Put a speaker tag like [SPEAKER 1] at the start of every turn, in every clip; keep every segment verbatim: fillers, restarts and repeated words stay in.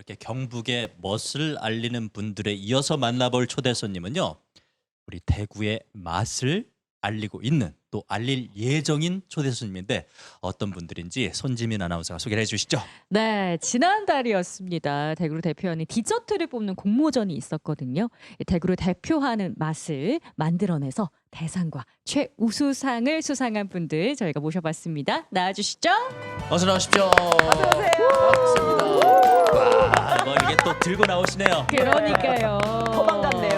[SPEAKER 1] 이렇게 경북의 멋을 알리는 분들에 이어서 만나볼 초대 손님은요. 우리 대구의 맛을 알리고 있는 또 알릴 예정인 초대 손님인데 어떤 분들인지 손지민 아나운서가 소개를 해주시죠.
[SPEAKER 2] 네, 지난달이었습니다. 대구를 대표하는 디저트를 뽑는 공모전이 있었거든요. 대구를 대표하는 맛을 만들어내서 대상과 최우수상을 수상한 분들 저희가 모셔봤습니다. 나와주시죠.
[SPEAKER 1] 어서 나오십시오.
[SPEAKER 3] 어서오세요.
[SPEAKER 1] 반갑습니다. 와, 뭐 이게 또 들고 나오시네요.
[SPEAKER 2] 그러니까요.
[SPEAKER 3] 더 반갑네요.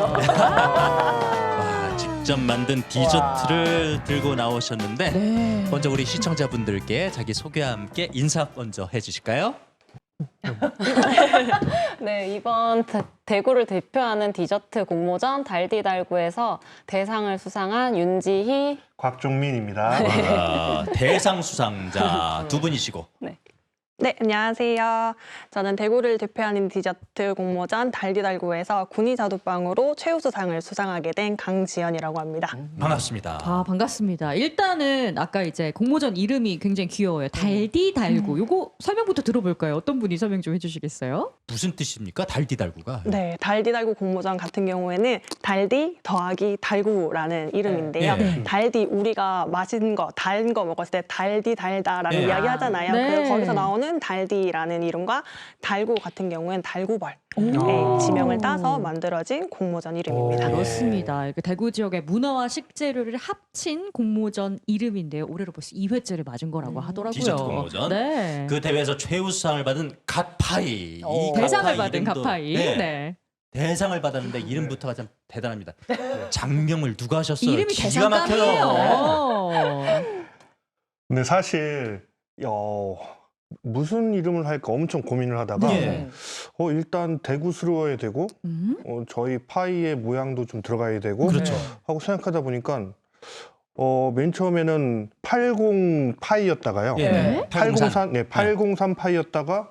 [SPEAKER 1] 와, 직접 만든 디저트를 들고 나오셨는데
[SPEAKER 2] 네.
[SPEAKER 1] 먼저 우리 시청자분들께 자기 소개와 함께 인사 먼저 해주실까요?
[SPEAKER 3] 네, 이번 대, 대구를 대표하는 디저트 공모전 달디달구에서 대상을 수상한 윤지희.
[SPEAKER 4] 곽종민입니다.
[SPEAKER 1] 와, 대상 수상자 두 분이시고
[SPEAKER 3] 네.
[SPEAKER 5] 네, 안녕하세요. 저는 대구를 대표하는 디저트 공모전 달디달구에서 군이자두빵으로 최우수상을 수상하게 된 강지연이라고 합니다.
[SPEAKER 1] 반갑습니다.
[SPEAKER 2] 아, 반갑습니다. 일단은 아까 이제 공모전 이름이 굉장히 귀여워요. 달디달구. 요거 설명부터 들어볼까요? 어떤 분이 설명 좀 해주시겠어요?
[SPEAKER 1] 무슨 뜻입니까? 달디달구가.
[SPEAKER 5] 네, 달디달구 공모전 같은 경우에는 달디 더하기 달구라는 이름인데요.
[SPEAKER 1] 네.
[SPEAKER 5] 달디, 우리가 맛있는 거, 단 거 먹었을 때 달디 달다라는
[SPEAKER 1] 네.
[SPEAKER 5] 이야기 하잖아요.
[SPEAKER 2] 네.
[SPEAKER 5] 그래서 거기서 나오는 달디라는 이름과 달구 같은 경우에는 달구벌.
[SPEAKER 2] 오.
[SPEAKER 5] 네, 지명을 따서 만들어진 공모전 이름입니다.
[SPEAKER 4] 오.
[SPEAKER 2] 그렇습니다. 이렇게 대구 지역의 문화와 식재료를 합친 공모전 이름인데요. 올해로 벌써 이 회째를 맞은 거라고 하더라고요.
[SPEAKER 1] 디저트 공모전.
[SPEAKER 2] 네.
[SPEAKER 1] 그 대회에서 최우수상을 받은 갓파이. 이
[SPEAKER 3] 오.
[SPEAKER 2] 대상을
[SPEAKER 1] 갓파이
[SPEAKER 2] 받은
[SPEAKER 1] 이름도-
[SPEAKER 2] 가파이.
[SPEAKER 1] 네.
[SPEAKER 2] 네.
[SPEAKER 1] 대상을 받았는데 이름부터가 참 대단합니다. 장명을 누가 하셨어요?
[SPEAKER 2] 이름이
[SPEAKER 1] 기가 막혀요.
[SPEAKER 2] 대상감이에요.
[SPEAKER 4] 근데 사실 어, 무슨 이름을 할까 엄청 고민을 하다가
[SPEAKER 1] 예.
[SPEAKER 4] 어, 일단 대구스러워야 되고
[SPEAKER 2] 음?
[SPEAKER 4] 어, 저희 파이의 모양도 좀 들어가야 되고
[SPEAKER 1] 그렇죠.
[SPEAKER 4] 하고 생각하다 보니까 어, 맨 처음에는 팔십 파이였다가요.
[SPEAKER 1] 예.
[SPEAKER 2] 네?
[SPEAKER 4] 팔공삼, 네, 팔공삼 파이였다가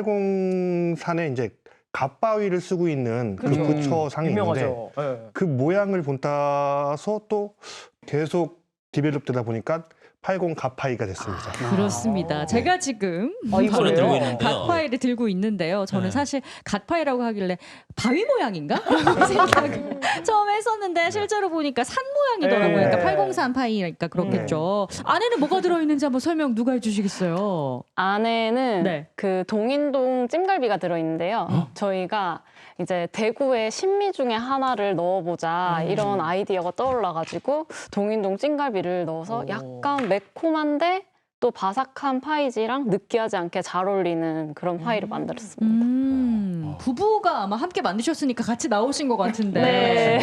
[SPEAKER 4] 팔공삼에 이제 갓바위를 쓰고 있는 그
[SPEAKER 3] 그렇죠.
[SPEAKER 4] 부처상이 있는데
[SPEAKER 3] 유명하죠. 네.
[SPEAKER 4] 그 모양을 본따서 또 계속 디벨롭 되다 보니까 팔십 갓파이가 됐습니다.
[SPEAKER 2] 그렇습니다.
[SPEAKER 3] 아.
[SPEAKER 2] 제가 지금
[SPEAKER 3] 아, 이거예요?
[SPEAKER 1] 손에 들고 있는데요.
[SPEAKER 2] 갓파이를 들고 있는데요. 저는
[SPEAKER 1] 네.
[SPEAKER 2] 사실 갓파이라고 하길래 바위 모양인가? 라고 생각을 처음에 했었는데 실제로 보니까 산 모양이더라고요.
[SPEAKER 3] 네.
[SPEAKER 2] 그러니까 팔공삼 파이니까 그렇겠죠. 안에는 뭐가 들어있는지 한번 설명 누가 해주시겠어요?
[SPEAKER 3] 안에는
[SPEAKER 2] 네.
[SPEAKER 3] 그 동인동 찜갈비가 들어있는데요. 저희가 이제 대구의 신미 중에 하나를 넣어보자 이런 아이디어가 떠올라가지고 동인동 찜갈비를 넣어서 약간 매콤한데 또 바삭한 파이지랑 느끼하지 않게 잘 어울리는 그런 파이를 만들었습니다.
[SPEAKER 2] 음, 부부가 아마 함께 만드셨으니까 같이 나오신 것 같은데
[SPEAKER 3] 네.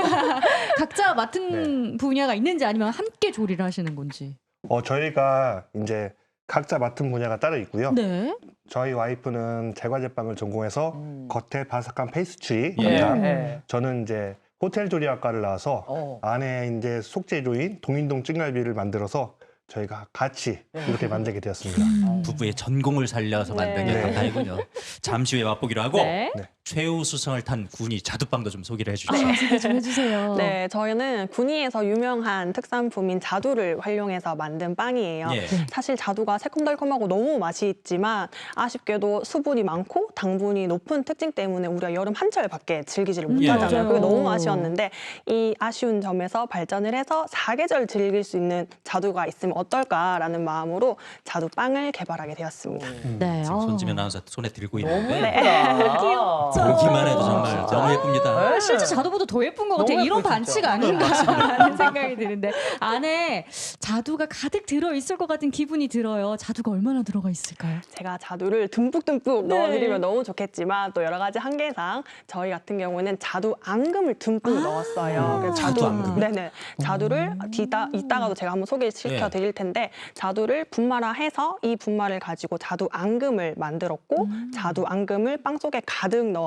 [SPEAKER 2] 각자 맡은 분야가 있는지 아니면 함께 조리를 하시는 건지.
[SPEAKER 4] 어, 저희가 이제 각자 맡은 분야가 따로 있고요.
[SPEAKER 2] 네.
[SPEAKER 4] 저희 와이프는 제과제빵을 전공해서 겉에 바삭한 페이스트리
[SPEAKER 1] 예.
[SPEAKER 4] 담당.
[SPEAKER 3] 네.
[SPEAKER 4] 저는 이제 호텔 조리학과를 나와서
[SPEAKER 3] 어.
[SPEAKER 4] 안에 이제 속재료인 동인동 찜갈비를 만들어서 저희가 같이 이렇게 만들게 되었습니다.
[SPEAKER 2] 음.
[SPEAKER 1] 부부의 전공을 살려서 만든 게
[SPEAKER 3] 네.
[SPEAKER 1] 갓파이군요. 잠시 후에 맛보기로 하고
[SPEAKER 2] 네.
[SPEAKER 1] 최우수상을 탄 군이 자두빵도 좀 소개를 해주시죠.
[SPEAKER 2] 아, 소개 좀 해주세요.
[SPEAKER 5] 네, 저희는 군위에서 유명한 특산품인 자두를 활용해서 만든 빵이에요.
[SPEAKER 1] 예.
[SPEAKER 5] 사실 자두가 새콤달콤하고 너무 맛이 있지만 아쉽게도 수분이 많고 당분이 높은 특징 때문에 우리가 여름 한철밖에 즐기지를
[SPEAKER 2] 음,
[SPEAKER 5] 못하잖아요.
[SPEAKER 2] 맞아요.
[SPEAKER 5] 그게 너무 아쉬웠는데 이 아쉬운 점에서 발전을 해서 사계절 즐길 수 있는 자두가 있으면 어떨까라는 마음으로 자두빵을 개발하게 되었습니다.
[SPEAKER 2] 네.
[SPEAKER 1] 지금
[SPEAKER 2] 어.
[SPEAKER 1] 손지민 아나운서 손에 들고
[SPEAKER 3] 너무
[SPEAKER 1] 있는데
[SPEAKER 3] 예쁘다.
[SPEAKER 1] 보기만 해도 정말 너무 예쁩니다.
[SPEAKER 2] 아, 실제 자두보다 더 예쁜 것 같아요.
[SPEAKER 3] 너무
[SPEAKER 2] 이런
[SPEAKER 3] 예뻐요,
[SPEAKER 2] 반칙
[SPEAKER 3] 진짜.
[SPEAKER 2] 아닌가라는 생각이 드는데 안에 자두가 가득 들어 있을 것 같은 기분이 들어요. 자두가 얼마나 들어가 있을까요?
[SPEAKER 5] 제가 자두를 듬뿍듬뿍
[SPEAKER 2] 네.
[SPEAKER 5] 넣어드리면 너무 좋겠지만 또 여러 가지 한계상 저희 같은 경우에는 자두 앙금을 듬뿍
[SPEAKER 2] 아.
[SPEAKER 5] 넣었어요. 그래서
[SPEAKER 1] 자두 앙금?
[SPEAKER 5] 네네. 자두를 뒤따, 이따가도 제가 한번 소개시켜
[SPEAKER 1] 네.
[SPEAKER 5] 드릴 텐데 자두를 분말화해서 이 분말을 가지고 자두 앙금을 만들었고 자두 앙금을 빵 속에 가득 넣어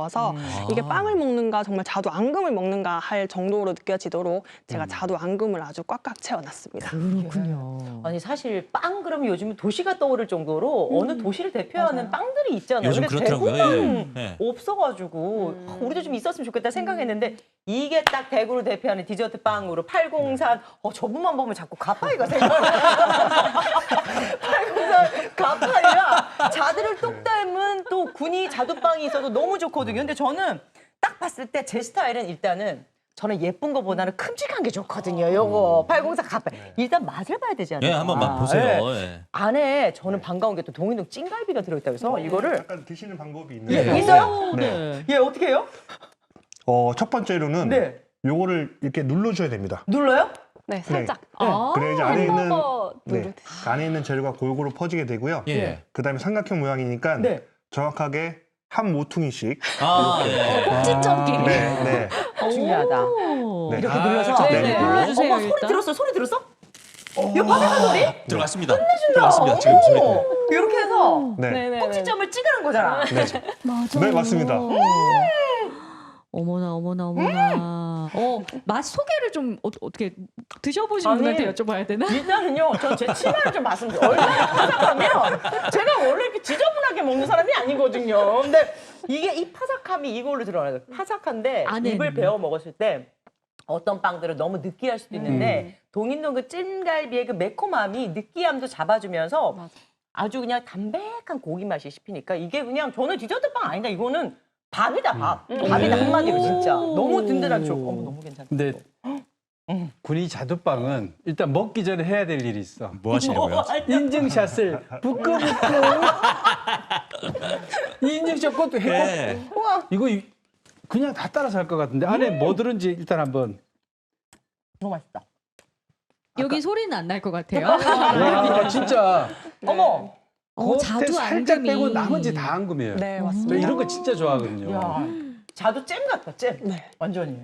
[SPEAKER 5] 부드러워서
[SPEAKER 2] 음.
[SPEAKER 5] 이게
[SPEAKER 1] 아.
[SPEAKER 5] 빵을 먹는가 정말 자두 앙금을 먹는가 할 정도로 느껴지도록 제가
[SPEAKER 1] 음.
[SPEAKER 5] 자두 앙금을 아주 꽉꽉 채워놨습니다.
[SPEAKER 2] 그렇군요.
[SPEAKER 6] 아니 사실 빵 그러면 요즘 도시가 떠오를 정도로
[SPEAKER 5] 음.
[SPEAKER 6] 어느 도시를 대표하는
[SPEAKER 5] 맞아요.
[SPEAKER 6] 빵들이 있잖아요.
[SPEAKER 1] 요즘
[SPEAKER 6] 근데
[SPEAKER 1] 그렇더라고요.
[SPEAKER 6] 대구는
[SPEAKER 1] 예. 예.
[SPEAKER 6] 없어가지고
[SPEAKER 5] 음.
[SPEAKER 6] 아, 우리도 좀 있었으면 좋겠다 생각했는데 이게 딱 대구를 대표하는 디저트 빵으로 팔공산 어 저분만 보면 자꾸 가파이가 생각나. 팔공산 가파이랑 자두를 똑 닮은 또 군이 자두빵이 있어도 너무 좋거든요. 근데 저는 딱 봤을 때 제 스타일은 일단은 저는 예쁜 거보다는 큼직한 게 좋거든요. 요거 팔공산 가파이. 일단 맛을 봐야 되지 않아요?
[SPEAKER 1] 예, 한번 맛
[SPEAKER 6] 아,
[SPEAKER 1] 보세요.
[SPEAKER 6] 예.
[SPEAKER 1] 예.
[SPEAKER 6] 안에 저는 반가운 게 또 동인동 찐갈비가 들어있다고 해서 이거를
[SPEAKER 4] 약간 드시는 방법이
[SPEAKER 6] 예,
[SPEAKER 4] 있는데
[SPEAKER 6] 있어요?
[SPEAKER 4] 네.
[SPEAKER 6] 예 어떻게 해요?
[SPEAKER 4] 어, 첫 번째로는
[SPEAKER 6] 네
[SPEAKER 4] 요거를 이렇게 눌러줘야 됩니다.
[SPEAKER 6] 눌러요?
[SPEAKER 5] 네, 살짝.
[SPEAKER 2] 아,
[SPEAKER 4] 그래야 이제 안에 있는
[SPEAKER 5] 햄버거
[SPEAKER 4] 네,
[SPEAKER 5] 누르듯이.
[SPEAKER 4] 안에 있는 재료가 골고루 퍼지게 되고요.
[SPEAKER 1] 예.
[SPEAKER 4] 그다음에 삼각형 모양이니까
[SPEAKER 6] 네.
[SPEAKER 4] 정확하게 한 모퉁이씩
[SPEAKER 1] 아, 예.
[SPEAKER 2] 꼭지점끼리.
[SPEAKER 4] 네, 네.
[SPEAKER 6] 중요하다.
[SPEAKER 2] 오.
[SPEAKER 4] 네.
[SPEAKER 6] 이렇게
[SPEAKER 1] 아,
[SPEAKER 6] 눌러서
[SPEAKER 1] 좀
[SPEAKER 2] 네,
[SPEAKER 1] 내리고.
[SPEAKER 2] 눌러주세요,
[SPEAKER 6] 어머 소리
[SPEAKER 2] 일단.
[SPEAKER 6] 들었어? 소리 들었어? 이거 바삭한 소리?
[SPEAKER 1] 들어갔습니다. 들어갔습니다. 지금 소리.
[SPEAKER 6] 오, 이렇게 해서
[SPEAKER 4] 네.
[SPEAKER 5] 네네네.
[SPEAKER 6] 꼭지점을 찍으라는 거잖아.
[SPEAKER 4] 네.
[SPEAKER 2] 맞아.
[SPEAKER 4] 네, 맞습니다.
[SPEAKER 2] 어머나 어머나 어머나. 어, 맛 소개를 좀 어, 어떻게 드셔보신
[SPEAKER 6] 아니,
[SPEAKER 2] 분한테 여쭤봐야 되나?
[SPEAKER 6] 일단은요, 전 제 치마를 좀 말씀드려요. 얼마나 파삭하면 제가 원래 이렇게 지저분하게 먹는 사람이 아니거든요. 근데 이게 이 파삭함이 이걸로 드러나요. 파삭한데
[SPEAKER 2] 안에는.
[SPEAKER 6] 입을 베어 먹었을 때 어떤 빵들은 너무 느끼할 수도 있는데 동인동 그 찐갈비의 그 매콤함이 느끼함도 잡아주면서
[SPEAKER 5] 맞아.
[SPEAKER 6] 아주 그냥 담백한 고기 맛이 씹히니까 이게 그냥 저는 디저트 빵 아니다. 이거는 밥이다 밥.
[SPEAKER 5] 음.
[SPEAKER 6] 밥이다
[SPEAKER 1] 네.
[SPEAKER 6] 한마디로 진짜.
[SPEAKER 2] 오.
[SPEAKER 6] 너무 든든한 쪽. 어머 너무 괜찮다.
[SPEAKER 7] 근데 군이 자두빵은 일단 먹기 전에 해야 될 일이 있어.
[SPEAKER 1] 뭐 하시려고요?
[SPEAKER 7] 인증샷을 부끄부끄. 이 인증샷 것도 했고
[SPEAKER 1] 예.
[SPEAKER 7] 이거 이- 그냥 다 따라서 할 것 같은데 안에 뭐 들은지 일단 한번.
[SPEAKER 6] 너무 맛있다.
[SPEAKER 2] 여기 소리는 안 날 것 같아요.
[SPEAKER 7] 와 진짜
[SPEAKER 6] 어머.
[SPEAKER 2] 어,
[SPEAKER 7] 겉에
[SPEAKER 2] 자두
[SPEAKER 7] 살짝
[SPEAKER 2] 앙금이.
[SPEAKER 7] 빼고 나머지 다 앙금이에요.
[SPEAKER 5] 네,
[SPEAKER 7] 저
[SPEAKER 5] 맞습니다.
[SPEAKER 7] 이런 거 진짜 좋아하거든요.
[SPEAKER 6] 야, 자두 잼 같다, 잼.
[SPEAKER 5] 네.
[SPEAKER 6] 완전히.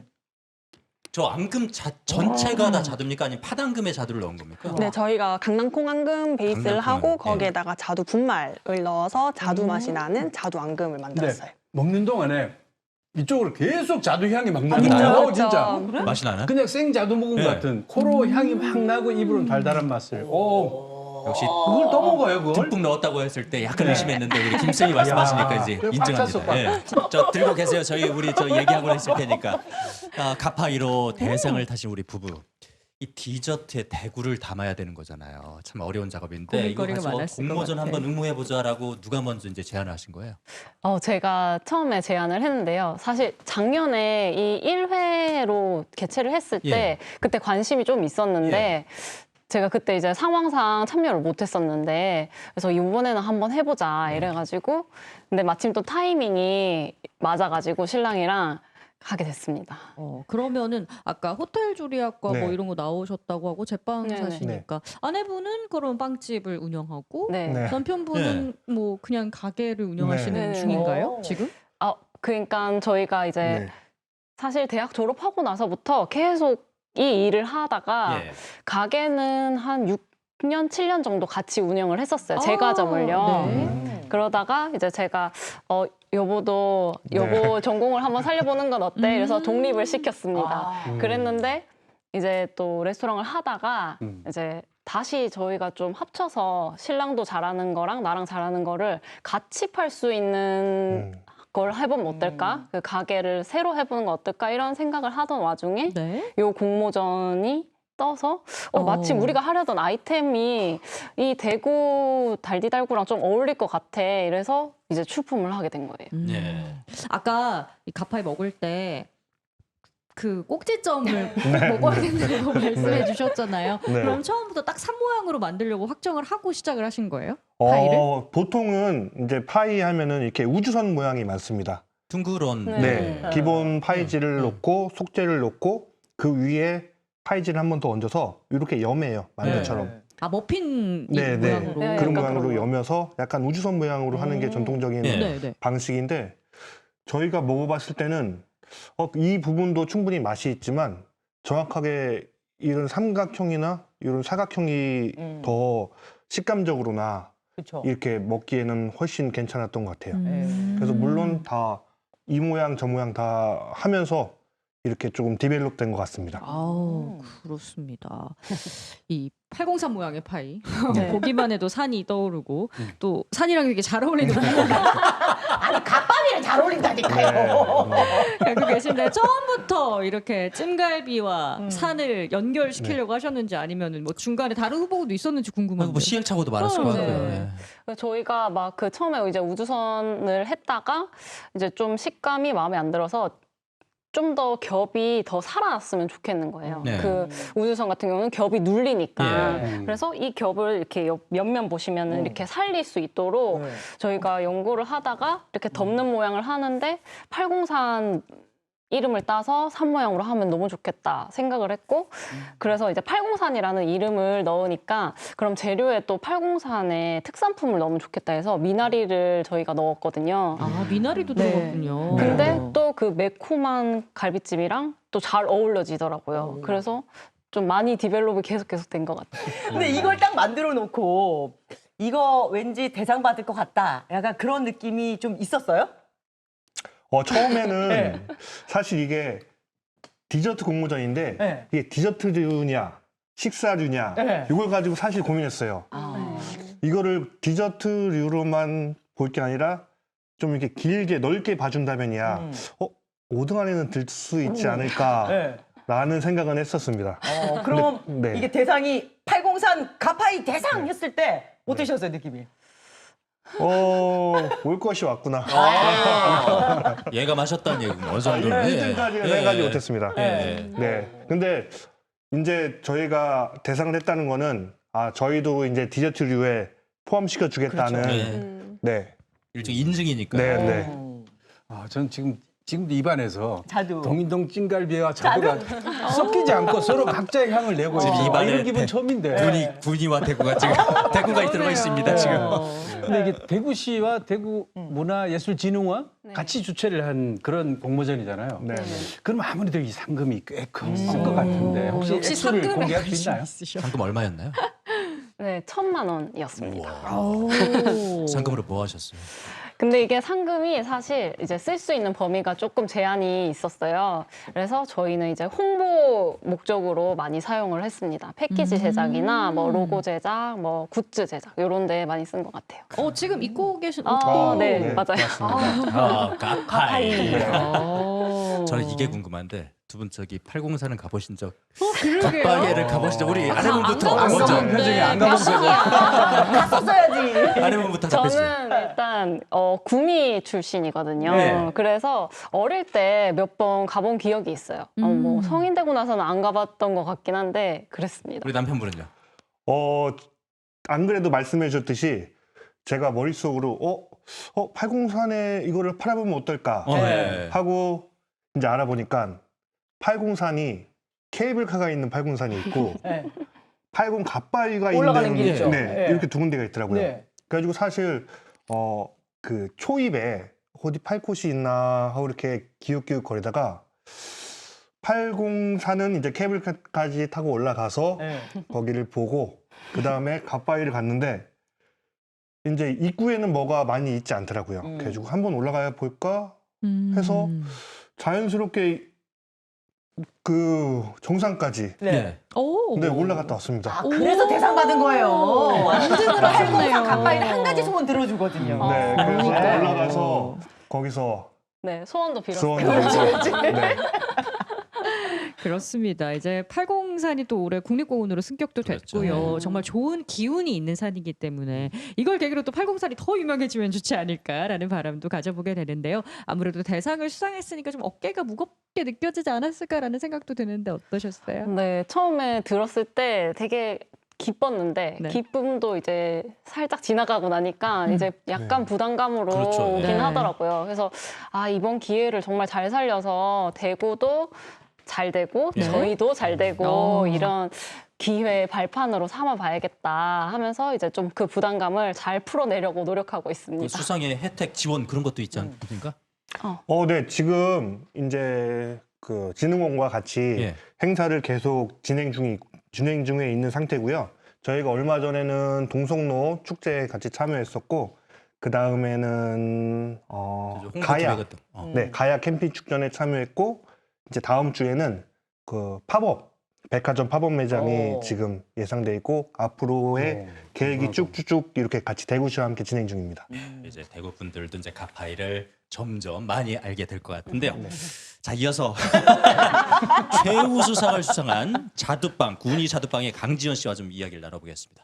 [SPEAKER 1] 저 앙금 자, 전체가 다 자두입니까? 아니면 팥앙금에 자두를 넣은 겁니까?
[SPEAKER 5] 네, 저희가 강낭콩 앙금 베이스를
[SPEAKER 1] 강낭콩
[SPEAKER 5] 하고
[SPEAKER 1] 앙금, 예.
[SPEAKER 5] 거기에다가 자두 분말을 넣어서 자두 맛이 나는 자두 앙금을 만들었어요.
[SPEAKER 7] 먹는 동안에 이쪽으로 계속 자두 향이 막
[SPEAKER 1] 진짜요?
[SPEAKER 7] 나요.
[SPEAKER 5] 그렇죠.
[SPEAKER 7] 진짜.
[SPEAKER 6] 그래?
[SPEAKER 1] 맛이 나나?
[SPEAKER 7] 그냥 생 자두 먹은
[SPEAKER 1] 네.
[SPEAKER 7] 것 같은 코로 향이 막 나고 입으로는 달달한 맛을. 오,
[SPEAKER 1] 역시
[SPEAKER 7] 그걸 또 먹어요, 그걸?
[SPEAKER 1] 듬뿍 넣었다고 했을 때 약간 의심했는데 우리 김쌤이 말씀하시니까
[SPEAKER 7] 야,
[SPEAKER 1] 이제
[SPEAKER 7] 그거 꽉
[SPEAKER 1] 인정합니다.
[SPEAKER 7] 찼어,
[SPEAKER 1] 예. 저 들고 계세요. 저희 우리 저 얘기하고 있을 테니까. 아, 가파이로 대상을 타신 우리 부부. 이 디저트에 대구를 담아야 되는 거잖아요. 참 어려운 작업인데 이거
[SPEAKER 2] 고민거리가
[SPEAKER 1] 가지고
[SPEAKER 2] 많았을 것
[SPEAKER 1] 공모전
[SPEAKER 2] 같아.
[SPEAKER 1] 한번 응모해 보자라고 누가 먼저 이제 제안을 하신 거예요?
[SPEAKER 3] 어, 제가 처음에 제안을 했는데요. 사실 작년에 이 일 회로 개최를 했을 때
[SPEAKER 1] 예.
[SPEAKER 3] 그때 관심이 좀 있었는데 제가 그때 이제 상황상 참여를 못 했었는데 그래서 이번에는 한번 해보자 이래가지고 근데 마침 또 타이밍이 맞아가지고 신랑이랑 하게 됐습니다.
[SPEAKER 2] 어, 그러면은 아까 호텔 조리학과
[SPEAKER 4] 네.
[SPEAKER 2] 뭐 이런 거 나오셨다고 하고 제빵
[SPEAKER 3] 네네.
[SPEAKER 2] 사시니까 아내분은 그럼 빵집을 운영하고
[SPEAKER 3] 네.
[SPEAKER 4] 네.
[SPEAKER 2] 남편분은 뭐 그냥 가게를 운영하시는
[SPEAKER 3] 네.
[SPEAKER 2] 중인가요?
[SPEAKER 6] 오.
[SPEAKER 2] 지금?
[SPEAKER 3] 아, 그러니까 저희가 이제
[SPEAKER 4] 네.
[SPEAKER 3] 사실 대학 졸업하고 나서부터 계속 이 일을 하다가
[SPEAKER 1] 예.
[SPEAKER 3] 가게는 한 육 년, 칠 년 정도 같이 운영을 했었어요.
[SPEAKER 2] 아,
[SPEAKER 3] 제과점을요.
[SPEAKER 2] 네.
[SPEAKER 6] 음.
[SPEAKER 3] 그러다가 이제 제가 어 여보도 여보 전공을 한번 살려보는 건 어때? 그래서
[SPEAKER 2] 음.
[SPEAKER 3] 독립을 시켰습니다.
[SPEAKER 6] 아.
[SPEAKER 4] 음.
[SPEAKER 3] 그랬는데 이제 또 레스토랑을 하다가
[SPEAKER 7] 음.
[SPEAKER 3] 이제 다시 저희가 좀 합쳐서 신랑도 잘하는 거랑 나랑 잘하는 거를 같이 팔 수 있는
[SPEAKER 4] 음.
[SPEAKER 3] 걸 해보면 어떨까? 그 가게를 새로 해보는 거 어떨까? 이런 생각을 하던 와중에
[SPEAKER 2] 네.
[SPEAKER 3] 요 공모전이 떠서 어, 마침
[SPEAKER 2] 어.
[SPEAKER 3] 우리가 하려던 아이템이 이 대구 달디달구랑 좀 어울릴 것 같아. 이래서 이제 출품을 하게 된 거예요.
[SPEAKER 2] 음.
[SPEAKER 1] 예.
[SPEAKER 2] 아까 이 가파이 먹을 때 그 꼭지점을 먹어야 된다고 말씀해 주셨잖아요.
[SPEAKER 4] 네.
[SPEAKER 2] 그럼 처음부터 딱 산 모양으로 만들려고 확정을 하고 시작을 하신 거예요? 파이를?
[SPEAKER 4] 어, 보통은 이제 파이 하면은 이렇게 우주선 모양이 많습니다.
[SPEAKER 1] 둥그런
[SPEAKER 3] 네.
[SPEAKER 4] 네.
[SPEAKER 6] 음.
[SPEAKER 4] 기본 파이지를
[SPEAKER 1] 음.
[SPEAKER 4] 놓고 속재를 놓고 그 위에 파이지를 한 번 더 얹어서 이렇게 염해요. 만두처럼.
[SPEAKER 6] 네.
[SPEAKER 2] 아 머핀 이
[SPEAKER 4] 네, 네.
[SPEAKER 2] 모양으로.
[SPEAKER 3] 네,
[SPEAKER 4] 그런
[SPEAKER 3] 약간
[SPEAKER 4] 모양으로
[SPEAKER 3] 그런 거.
[SPEAKER 4] 염여서 약간 우주선 모양으로 하는 게
[SPEAKER 6] 음.
[SPEAKER 4] 전통적인
[SPEAKER 1] 네.
[SPEAKER 2] 네, 네.
[SPEAKER 4] 방식인데 저희가 먹어봤을 때는 어, 이 부분도 충분히 맛이 있지만 정확하게 이런 삼각형이나 이런 사각형이
[SPEAKER 6] 음.
[SPEAKER 4] 더 식감적으로나
[SPEAKER 6] 그렇죠.
[SPEAKER 4] 이렇게 먹기에는 훨씬 괜찮았던 것 같아요.
[SPEAKER 2] 음.
[SPEAKER 4] 그래서 물론 다 이 모양 저 모양 다 하면서 이렇게 조금 디벨롭된 것 같습니다.
[SPEAKER 2] 아우 그렇습니다. 이 팔공산 모양의 파이
[SPEAKER 6] 네.
[SPEAKER 2] 보기만 해도 산이 떠오르고 또 산이랑 되게 잘 어울리는 부분을
[SPEAKER 6] 아니 갓바위랑 잘 어울린다니까요.
[SPEAKER 4] 네,
[SPEAKER 2] 알고 계신데 처음부터 이렇게 찜갈비와
[SPEAKER 6] 음.
[SPEAKER 2] 산을 연결시키려고 하셨는지 아니면 뭐 중간에 다른 후보도 있었는지 궁금한데.
[SPEAKER 1] 뭐 시행착오도 많았을
[SPEAKER 2] 어,
[SPEAKER 1] 것
[SPEAKER 2] 네.
[SPEAKER 1] 같고요. 네.
[SPEAKER 3] 그래서 저희가 막 그 처음에 이제 우주선을 했다가 이제 좀 식감이 마음에 안 들어서 좀 더 겹이 더 살아났으면 좋겠는 거예요.
[SPEAKER 1] 네.
[SPEAKER 3] 그 우주선 같은 경우는 겹이 눌리니까.
[SPEAKER 1] 예.
[SPEAKER 3] 그래서 이 겹을 이렇게 옆- 옆면 보시면은
[SPEAKER 6] 음.
[SPEAKER 3] 이렇게 살릴 수 있도록
[SPEAKER 6] 네.
[SPEAKER 3] 저희가 연구를 하다가 이렇게 덮는 모양을 하는데 팔공산 이름을 따서 산 모양으로 하면 너무 좋겠다 생각을 했고 그래서 이제 팔공산이라는 이름을 넣으니까 그럼 재료에 또 팔공산의 특산품을 넣으면 좋겠다 해서 미나리를 저희가 넣었거든요.
[SPEAKER 2] 아 미나리도
[SPEAKER 3] 네.
[SPEAKER 2] 들어갔군요.
[SPEAKER 3] 근데 또 그 매콤한 갈비찜이랑 또 잘 어울려지더라고요.
[SPEAKER 6] 음.
[SPEAKER 3] 그래서 좀 많이 디벨롭이 계속 계속 된 것 같아요.
[SPEAKER 6] 근데 이걸 딱 만들어 놓고 이거 왠지 대상 받을 것 같다. 약간 그런 느낌이 좀 있었어요?
[SPEAKER 4] 어, 처음에는
[SPEAKER 6] 네.
[SPEAKER 4] 사실 이게 디저트 공모전인데
[SPEAKER 6] 네.
[SPEAKER 4] 이게 디저트류냐 식사류냐
[SPEAKER 6] 네.
[SPEAKER 4] 이걸 가지고 사실 고민했어요.
[SPEAKER 6] 아.
[SPEAKER 4] 이거를 디저트류로만 볼 게 아니라 좀 이렇게 길게 넓게 봐준다면이야
[SPEAKER 6] 음.
[SPEAKER 4] 어, 오 등 안에는 들 수 있지
[SPEAKER 6] 네.
[SPEAKER 4] 않을까라는 생각은 했었습니다.
[SPEAKER 6] 어, 그럼
[SPEAKER 4] 근데, 네.
[SPEAKER 6] 이게 대상이 팔공산 가파이 대상 했을 때 어떠셨어요, 느낌이?
[SPEAKER 4] 어, 올 것이 왔구나.
[SPEAKER 1] 아, 얘가 마셨다는 얘기군요. 어느 정도는.
[SPEAKER 4] 일 등까지는 생각하지 못했습니다.
[SPEAKER 1] 예.
[SPEAKER 4] 네. 근데 이제 저희가 대상을 했다는 거는 아, 저희도 이제 디저트류에 포함시켜 주겠다는
[SPEAKER 1] 그렇죠.
[SPEAKER 3] 음.
[SPEAKER 4] 네.
[SPEAKER 1] 일종의 인증이니까.
[SPEAKER 4] 네, 네.
[SPEAKER 6] 어.
[SPEAKER 7] 아, 전 지금 지금도 입안에서
[SPEAKER 6] 자두.
[SPEAKER 7] 동인동 찜갈비와 자두가 섞이지 않고 서로 각자의 향을 내고
[SPEAKER 1] 지금
[SPEAKER 7] 있어요. 아,
[SPEAKER 1] 입안에
[SPEAKER 7] 이런 기분
[SPEAKER 1] 대-
[SPEAKER 7] 처음인데.
[SPEAKER 1] 군이 군이와 대구가 지금 대구가 들어가 있습니다. 지금.
[SPEAKER 7] 근데 이게 대구시와 대구 문화예술진흥원
[SPEAKER 3] 네.
[SPEAKER 7] 같이 주최를 한 그런 공모전이잖아요.
[SPEAKER 4] 네. 네.
[SPEAKER 7] 그럼 아무래도 이 상금이 꽤 컸을 것 같은데 혹시
[SPEAKER 2] 역시
[SPEAKER 7] 액수를
[SPEAKER 2] 상금에
[SPEAKER 7] 공개할 수
[SPEAKER 2] 관심이
[SPEAKER 7] 있나요?
[SPEAKER 2] 있으셔.
[SPEAKER 1] 상금 얼마였나요?
[SPEAKER 3] 네, 천만 원이었습니다.
[SPEAKER 2] 오.
[SPEAKER 1] 상금으로 뭐 하셨어요?
[SPEAKER 3] 근데 이게 상금이 사실 이제 쓸 수 있는 범위가 조금 제한이 있었어요. 그래서 저희는 이제 홍보 목적으로 많이 사용을 했습니다. 패키지 제작이나 뭐 로고 제작, 뭐 굿즈 제작 이런 데 많이 쓴 것 같아요.
[SPEAKER 2] 어 지금 입고 계신
[SPEAKER 3] 아,
[SPEAKER 2] 옷도
[SPEAKER 3] 네,
[SPEAKER 4] 네,
[SPEAKER 3] 맞아요.
[SPEAKER 4] 맞습니다.
[SPEAKER 1] 아, 가파이.
[SPEAKER 2] 아.
[SPEAKER 1] 저는 이게 궁금한데 두 분 저기 팔공사는 가보신 적,
[SPEAKER 2] 어, 그러게요.
[SPEAKER 1] 갓바게를 가보신 적 우리 아내분부터
[SPEAKER 2] 안
[SPEAKER 1] 먼저.
[SPEAKER 2] 가봤어요.
[SPEAKER 7] 표정이 안
[SPEAKER 2] 네,
[SPEAKER 7] 가본 표정.
[SPEAKER 6] 갔었어야지.
[SPEAKER 1] 아내분부터 답해주세요.
[SPEAKER 3] 저는 일단 어, 구미 출신이거든요.
[SPEAKER 1] 네.
[SPEAKER 3] 그래서 어릴 때 몇 번 가본 기억이 있어요. 어, 뭐
[SPEAKER 2] 음.
[SPEAKER 3] 성인 되고 나서는 안 가봤던 것 같긴 한데 그랬습니다.
[SPEAKER 1] 우리 남편분은요?
[SPEAKER 4] 어, 안 그래도 말씀해 주셨듯이 제가 머릿속으로 어, 어, 팔공산에 이거를 팔아보면 어떨까
[SPEAKER 1] 어, 네.
[SPEAKER 4] 하고 이제 알아보니까 팔공산이 케이블카가 있는 팔공산이 있고
[SPEAKER 6] 네.
[SPEAKER 4] 팔공 갓바위가
[SPEAKER 6] 올라가는
[SPEAKER 4] 있는
[SPEAKER 6] 길이죠.
[SPEAKER 4] 네,
[SPEAKER 6] 네.
[SPEAKER 4] 이렇게 두 군데가 있더라고요.
[SPEAKER 6] 네.
[SPEAKER 4] 그래가지고 사실 어, 그 초입에 어디 팔 곳이 있나 하고 이렇게 기웃기웃 거리다가 팔공산은 이제 케이블카까지 타고 올라가서
[SPEAKER 6] 네.
[SPEAKER 4] 거기를 보고 그 다음에 갓바위를 갔는데 이제 입구에는 뭐가 많이 있지 않더라고요.
[SPEAKER 6] 음.
[SPEAKER 4] 그래가지고 한번 올라가 볼까
[SPEAKER 2] 음.
[SPEAKER 4] 해서 자연스럽게 그 정상까지
[SPEAKER 6] 네.
[SPEAKER 2] 오.
[SPEAKER 4] 네, 올라갔다 왔습니다.
[SPEAKER 6] 아, 그래서 대상 받은 거예요.
[SPEAKER 2] 완등을 하셨네요.
[SPEAKER 6] 팔공산 가파이는 한 가지 소원 들어주거든요.
[SPEAKER 4] 네, 그래서
[SPEAKER 6] 그러니까요.
[SPEAKER 4] 올라가서 거기서
[SPEAKER 3] 네, 소원도 빌었어요.
[SPEAKER 4] 수원 들고 네.
[SPEAKER 2] 그렇습니다. 이제 팔공산이 또 올해 국립공원으로 승격도
[SPEAKER 1] 그렇죠.
[SPEAKER 2] 됐고요.
[SPEAKER 3] 네.
[SPEAKER 2] 정말 좋은 기운이 있는 산이기 때문에 이걸 계기로 또 팔공산이 더 유명해지면 좋지 않을까라는 바람도 가져보게 되는데요. 아무래도 대상을 수상했으니까 좀 어깨가 무겁게 느껴지지 않았을까라는 생각도 드는데 어떠셨어요?
[SPEAKER 3] 네, 처음에 들었을 때 되게 기뻤는데
[SPEAKER 2] 네.
[SPEAKER 3] 기쁨도 이제 살짝 지나가고 나니까
[SPEAKER 2] 음.
[SPEAKER 3] 이제 약간
[SPEAKER 4] 네.
[SPEAKER 3] 부담감으로
[SPEAKER 1] 그렇죠.
[SPEAKER 3] 오긴
[SPEAKER 2] 네.
[SPEAKER 3] 하더라고요. 그래서 아 이번 기회를 정말 잘 살려서 대구도 잘 되고
[SPEAKER 1] 네.
[SPEAKER 3] 저희도 잘 되고
[SPEAKER 2] 어.
[SPEAKER 3] 이런 기회 발판으로 삼아봐야겠다 하면서 이제 좀 그 부담감을 잘 풀어내려고 노력하고
[SPEAKER 1] 그
[SPEAKER 3] 있습니다.
[SPEAKER 1] 수상의 혜택 지원 그런 것도 있지 않습니까?
[SPEAKER 4] 어, 네, 지금 이제 그 진흥원과 같이
[SPEAKER 1] 예.
[SPEAKER 4] 행사를 계속 진행 중이 진행 중에 있는 상태고요. 저희가 얼마 전에는 동성로 축제에 같이 참여했었고 그 다음에는 어,
[SPEAKER 1] 홍보
[SPEAKER 4] 가야,
[SPEAKER 1] 기획 어.
[SPEAKER 4] 네, 가야 캠핑 축전에 참여했고 이제 다음 주에는 그 팝업 백화점 팝업 매장이
[SPEAKER 6] 오.
[SPEAKER 4] 지금 예상돼 있고 앞으로의
[SPEAKER 7] 오,
[SPEAKER 4] 계획이
[SPEAKER 7] 대단하다.
[SPEAKER 4] 쭉쭉쭉 이렇게 같이 대구시와 함께 진행 중입니다.
[SPEAKER 1] 이제 대구 분들도 이제 가파이를 점점 많이 알게 될 것 같은데요.
[SPEAKER 4] 네.
[SPEAKER 1] 자, 이어서 최우수상을 수상한 자두빵, 군이 자두빵의 강지연 씨와 좀 이야기를 나눠보겠습니다.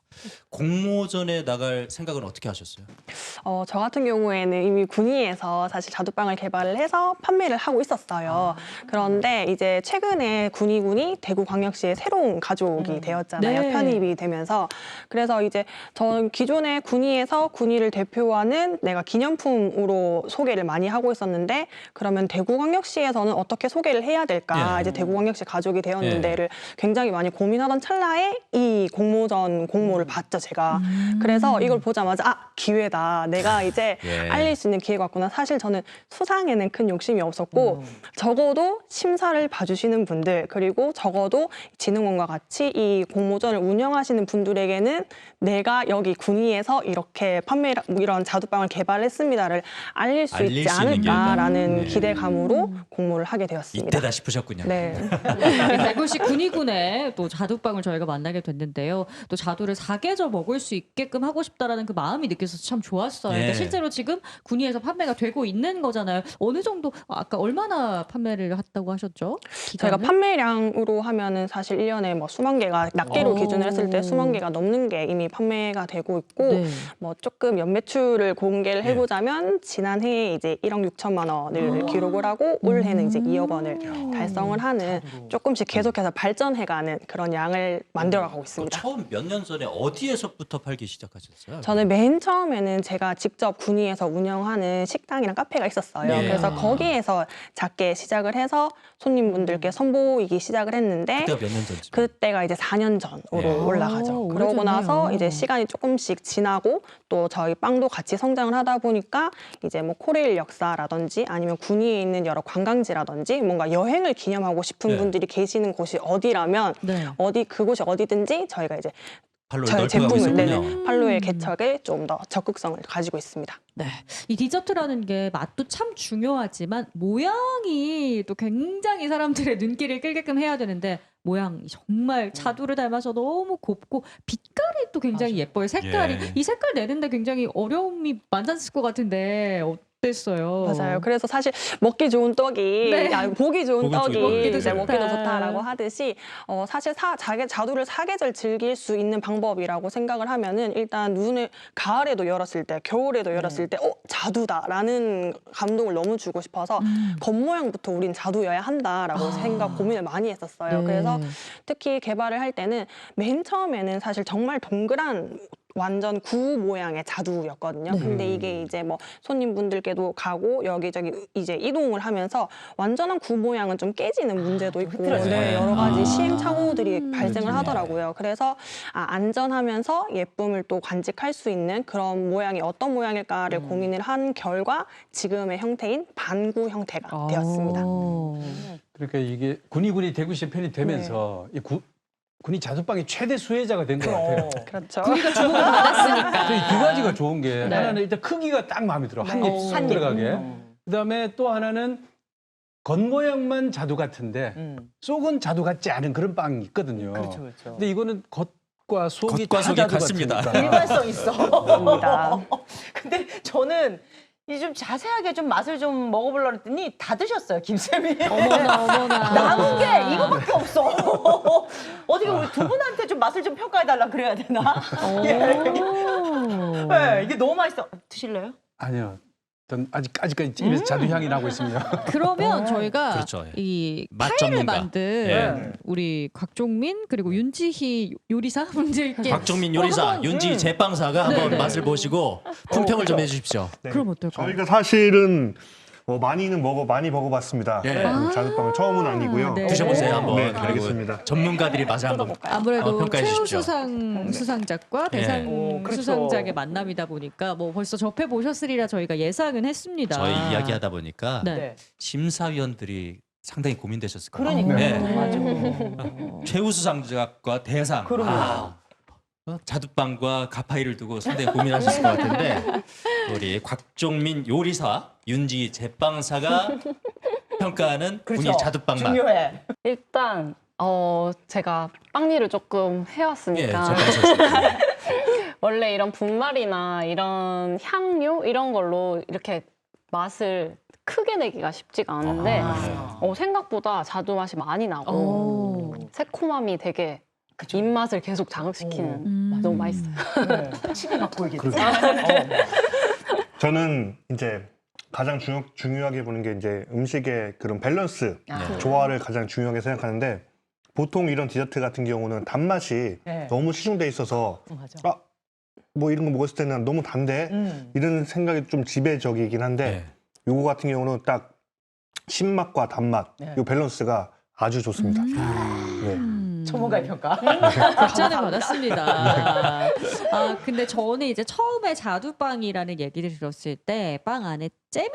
[SPEAKER 1] 공모전에 나갈 생각은 어떻게 하셨어요?
[SPEAKER 5] 어, 저 같은 경우에는 이미 군위에서 사실 자두빵을 개발을 해서 판매를 하고 있었어요. 그런데 이제 최근에 군위군이 대구광역시의 새로운 가족이 되었잖아요.
[SPEAKER 2] 네.
[SPEAKER 5] 편입이 되면서. 그래서 이제 저는 기존에 군위에서 군위를 대표하는 내가 기념품으로 소개를 많이 하고 있었는데 그러면 대구광역시에서는 어떻게 소개를 해야 될까?
[SPEAKER 1] 예.
[SPEAKER 5] 이제 대구광역시 가족이
[SPEAKER 1] 예.
[SPEAKER 5] 되었는데를 굉장히 많이 고민하던 찰나에 이 공모전 공모를 봤죠, 제가.
[SPEAKER 2] 음.
[SPEAKER 5] 그래서 이걸 보자마자 아, 기회다. 내가 이제
[SPEAKER 1] 예.
[SPEAKER 5] 알릴 수 있는 기회가 왔구나. 사실 저는 수상에는 큰 욕심이 없었고
[SPEAKER 6] 음.
[SPEAKER 5] 적어도 심사를 봐주시는 분들 그리고 적어도 진흥원과 같이 이 공모전을 운영하시는 분들에게는 내가 여기 군위에서 이렇게 판매 이런 자두빵을 개발했습니다를 알릴 수
[SPEAKER 1] 알릴
[SPEAKER 5] 있지
[SPEAKER 1] 수 있는
[SPEAKER 5] 않을까라는
[SPEAKER 1] 네.
[SPEAKER 5] 기대감으로 공모를 하게 되었습니다.
[SPEAKER 1] 이때다 싶으셨군요.
[SPEAKER 5] 네.
[SPEAKER 2] 대구시 군위군에 또 자두빵을 저희가 만나게 됐는데요. 또 자두를 사계절 먹을 수 있게끔 하고 싶다라는 그 마음이 느껴서 참 좋았어요.
[SPEAKER 1] 예.
[SPEAKER 2] 근데 실제로 지금 군위에서 판매가 되고 있는 거잖아요. 어느 정도 아까 얼마나 판매를 했다고 하셨죠?
[SPEAKER 5] 저희가
[SPEAKER 2] 기간을?
[SPEAKER 5] 판매량으로 하면은 사실 일 년에 뭐 수만 개가 낱개로
[SPEAKER 2] 오.
[SPEAKER 5] 기준을 했을 때 수만 개가 넘는 게 이미 판매가 되고 있고
[SPEAKER 2] 네.
[SPEAKER 5] 뭐 조금 연매출을 공개를
[SPEAKER 1] 네.
[SPEAKER 5] 해보자면 지난해에 이제 일억 육천만 원을 기록을 하고 올해는 이제 이억 원을 달성을 하는 조금씩 계속해서 발전해가는 그런 양을 만들어가고
[SPEAKER 1] 그
[SPEAKER 5] 있습니다.
[SPEAKER 1] 처음 몇 년 전에 어디에서부터 팔기 시작하셨어요?
[SPEAKER 5] 저는 맨 처음에는 제가 직접 군위에서 운영하는 식당이랑 카페가 있었어요.
[SPEAKER 1] 네.
[SPEAKER 5] 그래서
[SPEAKER 2] 아.
[SPEAKER 5] 거기에서 작게 시작을 해서 손님분들께 선보이기 시작을 했는데
[SPEAKER 1] 그때가 몇 년 전쯤?
[SPEAKER 5] 그때가 이제 사 년 전으로
[SPEAKER 1] 네.
[SPEAKER 5] 올라가죠.
[SPEAKER 2] 아,
[SPEAKER 5] 그러고
[SPEAKER 2] 오래됐네요.
[SPEAKER 5] 나서 이제 시간이 조금씩 지나고 또 저희 빵도 같이 성장을 하다 보니까 이제 뭐 코레일 역사라든지 아니면 군위에 있는 여러 관광지라든지 뭔가 여행을 기념하고 싶은
[SPEAKER 1] 네.
[SPEAKER 5] 분들이 계시는 곳이 어디라면
[SPEAKER 2] 네.
[SPEAKER 5] 어디 그곳이 어디든지 저희가 이제
[SPEAKER 1] 팔로
[SPEAKER 5] 저희
[SPEAKER 1] 넓혀가고
[SPEAKER 5] 제품을
[SPEAKER 1] 있었군요.
[SPEAKER 5] 네네, 팔로의 개척에 좀 더 적극성을 가지고 있습니다.
[SPEAKER 2] 네. 이 디저트라는 게 맛도 참 중요하지만 모양이 또 굉장히 사람들의 눈길을 끌게끔 해야 되는데 모양이 정말 자두를 닮아서 너무 곱고 빛깔이 또 굉장히 예뻐요. 색깔이.
[SPEAKER 1] 예.
[SPEAKER 2] 이 색깔 내는데 굉장히 어려움이 만났을 것 같은데 어땠어요?
[SPEAKER 5] 맞아요. 그래서 사실 먹기 좋은 떡이
[SPEAKER 2] 네.
[SPEAKER 5] 야, 보기 좋은
[SPEAKER 1] 보기
[SPEAKER 5] 떡이
[SPEAKER 1] 좋은
[SPEAKER 2] 먹기도
[SPEAKER 5] 이제
[SPEAKER 2] 좋다.
[SPEAKER 5] 먹기도 좋다라고 하듯이 어, 사실 사, 자기 자두를 사계절 즐길 수 있는 방법이라고 생각을 하면은 일단 눈을 가을에도 열었을 때, 겨울에도 열었을 때, 어 자두다라는 감동을 너무 주고 싶어서
[SPEAKER 2] 음.
[SPEAKER 5] 겉모양부터 우린 자두여야 한다라고
[SPEAKER 2] 아.
[SPEAKER 5] 생각 고민을 많이 했었어요.
[SPEAKER 2] 네.
[SPEAKER 5] 그래서 특히 개발을 할 때는 맨 처음에는 사실 정말 동그란 완전 구 모양의 자두였거든요.
[SPEAKER 2] 네.
[SPEAKER 5] 근데 이게 이제 뭐 손님분들께도 가고 여기저기 이제 이동을 하면서 완전한 구 모양은 좀 깨지는 문제도 있고
[SPEAKER 6] 그렇죠.
[SPEAKER 5] 네, 여러 가지
[SPEAKER 1] 아.
[SPEAKER 5] 시행착오들이
[SPEAKER 2] 음.
[SPEAKER 5] 발생을
[SPEAKER 1] 그렇군요.
[SPEAKER 5] 하더라고요. 그래서 아, 안전하면서 예쁨을 또 간직할 수 있는 그런 모양이 어떤 모양일까를
[SPEAKER 2] 음.
[SPEAKER 5] 고민을 한 결과 지금의 형태인 반구 형태가
[SPEAKER 2] 아.
[SPEAKER 5] 되었습니다.
[SPEAKER 7] 그러니까 이게 군위군이 대구시에 편입되면서 이 구, 군이 자두빵의 최대 수혜자가 된 것 같아요.
[SPEAKER 5] 그렇죠.
[SPEAKER 2] 우리가 주목을 받았으니까.
[SPEAKER 7] 그래서 이두 가지가 좋은 게
[SPEAKER 2] 네.
[SPEAKER 7] 하나는 일단 크기가 딱 마음에 들어. 한
[SPEAKER 5] 네.
[SPEAKER 7] 입 쏙
[SPEAKER 6] 한 입.
[SPEAKER 7] 들어가게.
[SPEAKER 6] 음.
[SPEAKER 7] 그다음에 또 하나는 겉모양만 자두 같은데
[SPEAKER 6] 음.
[SPEAKER 7] 속은 자두 같지 않은 그런 빵이 있거든요.
[SPEAKER 6] 그렇죠, 그렇죠.
[SPEAKER 7] 근데 이거는 겉과 속이
[SPEAKER 1] 겉과
[SPEAKER 7] 다
[SPEAKER 1] 속이
[SPEAKER 7] 자두
[SPEAKER 1] 같습니다.
[SPEAKER 7] 같으니까.
[SPEAKER 6] 일관성 있어.
[SPEAKER 5] 맞습니다.
[SPEAKER 6] 근데 저는 이 좀 자세하게 좀 맛을 좀 먹어보려고 했더니 다 드셨어요, 김쌤이.
[SPEAKER 2] 어머나 어머나.
[SPEAKER 6] 남은 게 이거밖에 없어. 어떻게 우리 두 분한테 좀 맛을 좀 평가해달라 그래야 되나?
[SPEAKER 2] 오.
[SPEAKER 6] 네, 이게 너무 맛있어. 드실래요?
[SPEAKER 7] 아니요. 전 아직 아직까지 입에서 자두 향이 나고 있습니다.
[SPEAKER 2] 그러면 저희가
[SPEAKER 1] 그렇죠.
[SPEAKER 2] 이
[SPEAKER 1] 맛
[SPEAKER 2] 파이를
[SPEAKER 1] 전문가.
[SPEAKER 2] 만든
[SPEAKER 1] 예.
[SPEAKER 2] 우리 곽종민 그리고 윤지희 요리사 분들께
[SPEAKER 1] 곽종민 요리사,
[SPEAKER 2] 한번,
[SPEAKER 1] 윤지
[SPEAKER 6] 음.
[SPEAKER 1] 제빵사가
[SPEAKER 2] 네,
[SPEAKER 1] 한번
[SPEAKER 2] 네.
[SPEAKER 1] 맛을 보시고 품평을 좀 해주십시오.
[SPEAKER 4] 네.
[SPEAKER 2] 그럼 어떨까요?
[SPEAKER 4] 저희가 사실은 어, 많이는 먹어 많이 먹어봤습니다.
[SPEAKER 1] 예.
[SPEAKER 4] 음, 자두빵은 처음은 아니고요.
[SPEAKER 2] 네.
[SPEAKER 1] 드셔보세요 한번.
[SPEAKER 4] 네,
[SPEAKER 1] 그리고
[SPEAKER 4] 알겠습니다.
[SPEAKER 1] 전문가들이 맛을 한번
[SPEAKER 5] 뜯어볼까요?
[SPEAKER 2] 아무래도
[SPEAKER 1] 어, 평가해 주십시오.
[SPEAKER 2] 최우수상 수상작과
[SPEAKER 1] 예.
[SPEAKER 2] 대상
[SPEAKER 6] 오, 그렇죠.
[SPEAKER 2] 수상작의 만남이다 보니까 뭐 벌써 접해 보셨으리라 저희가 예상은 했습니다.
[SPEAKER 1] 저희 이야기하다 보니까
[SPEAKER 2] 네.
[SPEAKER 6] 네.
[SPEAKER 1] 심사위원들이 상당히 고민되셨을 거예요.
[SPEAKER 6] 그러니까요.
[SPEAKER 1] 네.
[SPEAKER 6] 맞아.
[SPEAKER 1] 최우수상작과 대상.
[SPEAKER 6] 그럼요.
[SPEAKER 1] 아, 어? 자두빵과 가파이를 두고 상당히 고민하셨을 것 같은데 우리 곽종민 요리사, 윤지 제빵사가 평가하는 군이
[SPEAKER 6] 그렇죠.
[SPEAKER 1] 자두빵 맛.
[SPEAKER 6] 중요해.
[SPEAKER 3] 일단 어 제가 빵 일을 조금
[SPEAKER 1] 예,
[SPEAKER 3] 해왔으니까
[SPEAKER 1] 제빵사.
[SPEAKER 3] 원래 이런 분말이나 이런 향료 이런 걸로 이렇게 맛을 크게 내기가 쉽지가 않은데
[SPEAKER 1] 아.
[SPEAKER 3] 어, 생각보다 자두 맛이 많이 나고
[SPEAKER 2] 오.
[SPEAKER 3] 새콤함이 되게
[SPEAKER 6] 그쵸.
[SPEAKER 3] 입맛을 계속 자극시키는
[SPEAKER 2] 음.
[SPEAKER 3] 너무 맛있어요.
[SPEAKER 6] 네. 침이 막 고이겠지.
[SPEAKER 4] 그렇죠.
[SPEAKER 6] 어.
[SPEAKER 4] 저는 이제 가장 중요, 중요하게 보는 게 이제 음식의 그런 밸런스,
[SPEAKER 6] 아.
[SPEAKER 4] 조화를 가장 중요하게 생각하는데 보통 이런 디저트 같은 경우는 단맛이
[SPEAKER 6] 네.
[SPEAKER 4] 너무 치중돼 있어서
[SPEAKER 6] 맞아.
[SPEAKER 4] 아, 뭐 이런 거 먹었을 때는 너무 단데
[SPEAKER 6] 음.
[SPEAKER 4] 이런 생각이 좀 지배적이긴 한데
[SPEAKER 1] 네.
[SPEAKER 4] 요거 같은 경우는 딱 신맛과 단맛
[SPEAKER 6] 네.
[SPEAKER 4] 요 밸런스가 아주 좋습니다. 네.
[SPEAKER 2] 음.
[SPEAKER 6] 전문가의 평가.
[SPEAKER 2] 극찬을 받았습니다. 아 근데 저는 이제 처음에 자두빵이라는 얘기를 들었을 때 빵 안에 잼이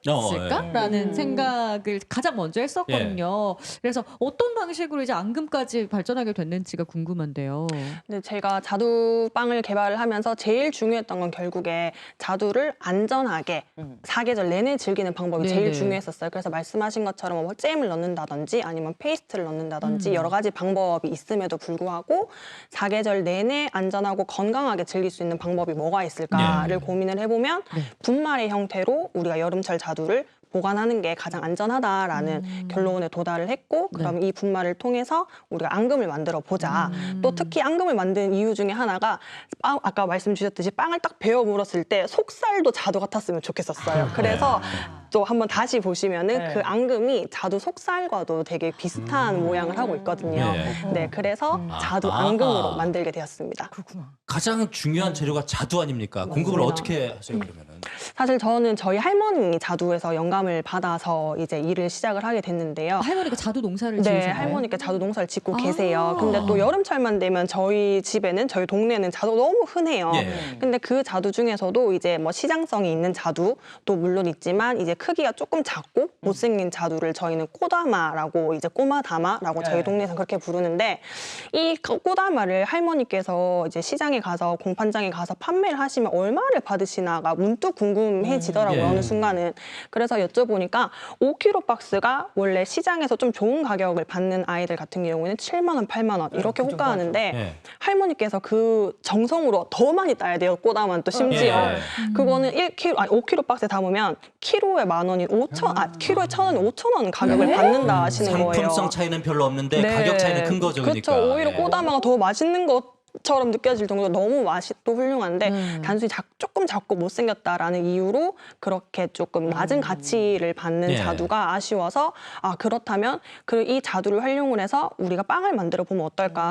[SPEAKER 2] 들어있을까라는
[SPEAKER 6] 음.
[SPEAKER 2] 생각을 가장 먼저 했었거든요. 그래서 어떤 방식으로 이제 앙금까지 발전하게 됐는지가 궁금한데요.
[SPEAKER 5] 근데 제가 자두빵을 개발을 하면서 제일 중요했던 건 결국에 자두를 안전하게
[SPEAKER 6] 음.
[SPEAKER 5] 사계절 내내 즐기는 방법이
[SPEAKER 2] 네네.
[SPEAKER 5] 제일 중요했었어요. 그래서 말씀하신 것처럼 뭐 잼을 넣는다든지 아니면 페이스트를 넣는다든지
[SPEAKER 2] 음.
[SPEAKER 5] 여러 가지 방법이 있음에도 불구하고 사계절 내내 안전하고 건강하게 즐길 수 있는 방법이 뭐가 있을까를
[SPEAKER 1] 네.
[SPEAKER 5] 고민을 해보면
[SPEAKER 2] 네.
[SPEAKER 5] 분말의 형태로 우리가 여름철 자두를 보관하는 게 가장 안전하다라는
[SPEAKER 2] 음.
[SPEAKER 5] 결론에 도달을 했고
[SPEAKER 2] 네.
[SPEAKER 5] 그럼 이 분말을 통해서 우리가 앙금을 만들어 보자.
[SPEAKER 2] 음.
[SPEAKER 5] 또 특히 앙금을 만든 이유 중에 하나가 빵, 아까 말씀 주셨듯이 빵을 딱 베어 물었을 때 속살도 자두 같았으면 좋겠었어요. 그래서 또 한번 다시 보시면은
[SPEAKER 6] 네.
[SPEAKER 5] 그 앙금이 자두 속살과도 되게 비슷한 모양을 하고 있거든요.
[SPEAKER 1] 네.
[SPEAKER 5] 네, 그래서
[SPEAKER 6] 음.
[SPEAKER 5] 자두
[SPEAKER 1] 아.
[SPEAKER 5] 앙금으로 만들게 되었습니다.
[SPEAKER 6] 그렇구나.
[SPEAKER 1] 가장 중요한 재료가 자두 아닙니까? 공급을
[SPEAKER 5] 맞습니다.
[SPEAKER 1] 어떻게 하세요 그러면은?
[SPEAKER 5] 사실 저는 저희 할머니 자두에서 영감을 받아서 이제 일을 시작을 하게 됐는데요.
[SPEAKER 2] 아, 할머니가 자두 농사를
[SPEAKER 5] 네,
[SPEAKER 2] 지으세요?
[SPEAKER 5] 할머니께 자두 농사를 짓고
[SPEAKER 2] 아.
[SPEAKER 5] 계세요. 근데 또 여름철만 되면 저희 집에는 저희 동네는 자두 너무 흔해요.
[SPEAKER 1] 예.
[SPEAKER 5] 근데 그 자두 중에서도 이제 뭐 시장성이 있는 자두도 물론 있지만 이제 크기가 조금 작고 못생긴 자두를 저희는 꼬다마라고 이제 꼬마다마라고 저희
[SPEAKER 6] 네.
[SPEAKER 5] 동네에서 그렇게 부르는데 이 꼬다마를 할머니께서 이제 시장에 가서 공판장에 가서 판매를 하시면 얼마를 받으시나가 문득 궁금해지더라고요.
[SPEAKER 1] 음, 예.
[SPEAKER 5] 어느 순간은. 그래서 여쭤보니까 오 킬로그램 박스가 원래 시장에서 좀 좋은 가격을 받는 아이들 같은 경우에는 칠만 원, 팔만 원 이렇게
[SPEAKER 6] 그 정도
[SPEAKER 5] 호가하는데
[SPEAKER 1] 예.
[SPEAKER 5] 할머니께서 그 정성으로 더 많이 따야 돼요. 꼬다만 또 심지어.
[SPEAKER 1] 예.
[SPEAKER 5] 그거는 일 킬로그램, 아니 오 킬로그램 박스에 담으면 키로에 만 원인 오천, 아 키로에 천 원인 오천 원 가격을 받는다 하시는 거예요.
[SPEAKER 1] 상품성 차이는 별로 없는데
[SPEAKER 5] 네.
[SPEAKER 1] 가격 차이는 큰 거죠.
[SPEAKER 5] 그렇죠.
[SPEAKER 1] 그러니까.
[SPEAKER 5] 오히려
[SPEAKER 1] 예.
[SPEAKER 5] 꼬다마가 더 맛있는 것처럼 느껴질 정도로 너무 맛이 또 훌륭한데
[SPEAKER 2] 음.
[SPEAKER 5] 단순히 작, 조금 작고 못생겼다라는 이유로 그렇게 조금 낮은 가치를 받는
[SPEAKER 1] 예.
[SPEAKER 5] 자두가 아쉬워서 아 그렇다면 그 이 자두를 활용을 해서 우리가 빵을 만들어 보면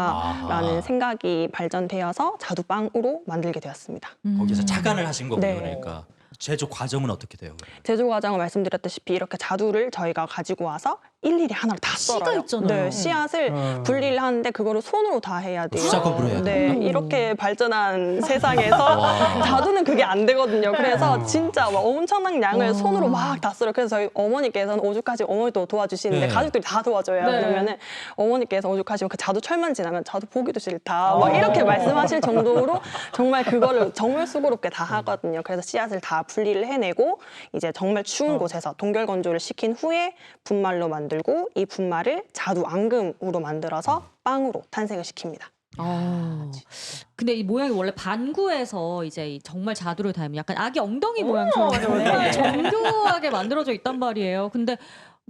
[SPEAKER 5] 어떨까라는
[SPEAKER 1] 아하.
[SPEAKER 5] 생각이 발전되어서 자두빵으로 만들게 되었습니다.
[SPEAKER 2] 음.
[SPEAKER 1] 거기서 착안을 하신 거군요.
[SPEAKER 5] 네.
[SPEAKER 1] 그러니까 제조 과정은 어떻게 돼요?
[SPEAKER 5] 제조 과정을 말씀드렸다시피 이렇게 자두를 저희가 가지고 와서 일일이 하나로 다
[SPEAKER 2] 씨가
[SPEAKER 5] 썰어요.
[SPEAKER 2] 있잖아요.
[SPEAKER 5] 네, 씨앗을
[SPEAKER 7] 음.
[SPEAKER 5] 분리를 하는데 그거를 손으로 다 해야 돼요.
[SPEAKER 1] 수작업으로 해야
[SPEAKER 5] 네,
[SPEAKER 2] 돼요?
[SPEAKER 5] 이렇게 발전한 세상에서
[SPEAKER 1] 와.
[SPEAKER 5] 자두는 그게 안 되거든요. 그래서 진짜 막 엄청난 양을
[SPEAKER 2] 와.
[SPEAKER 5] 손으로 막 다 썰어요. 그래서 저희 어머니께서는 오죽하시 어머니도 도와주시는데
[SPEAKER 1] 네.
[SPEAKER 5] 가족들이 다 도와줘요.
[SPEAKER 2] 네.
[SPEAKER 5] 그러면은 어머니께서 오죽하시면 그 자두 철만 지나면 자두 보기도 싫다. 막 이렇게 말씀하실 정도로 정말 그거를 정말 수고롭게 다 하거든요. 그래서 씨앗을 다 분리를 해내고 이제 정말 추운 곳에서 동결 건조를 시킨 후에 분말로 만들고 이 분말을 자두 앙금으로 만들어서 빵으로 탄생을 시킵니다.
[SPEAKER 2] 아, 근데 이 모양이 원래 반구에서 이제 이 정말 자두를 닮은 약간 아기 엉덩이 모양처럼
[SPEAKER 6] 맞아, 맞아.
[SPEAKER 2] 정말 정교하게 만들어져 있단 말이에요. 근데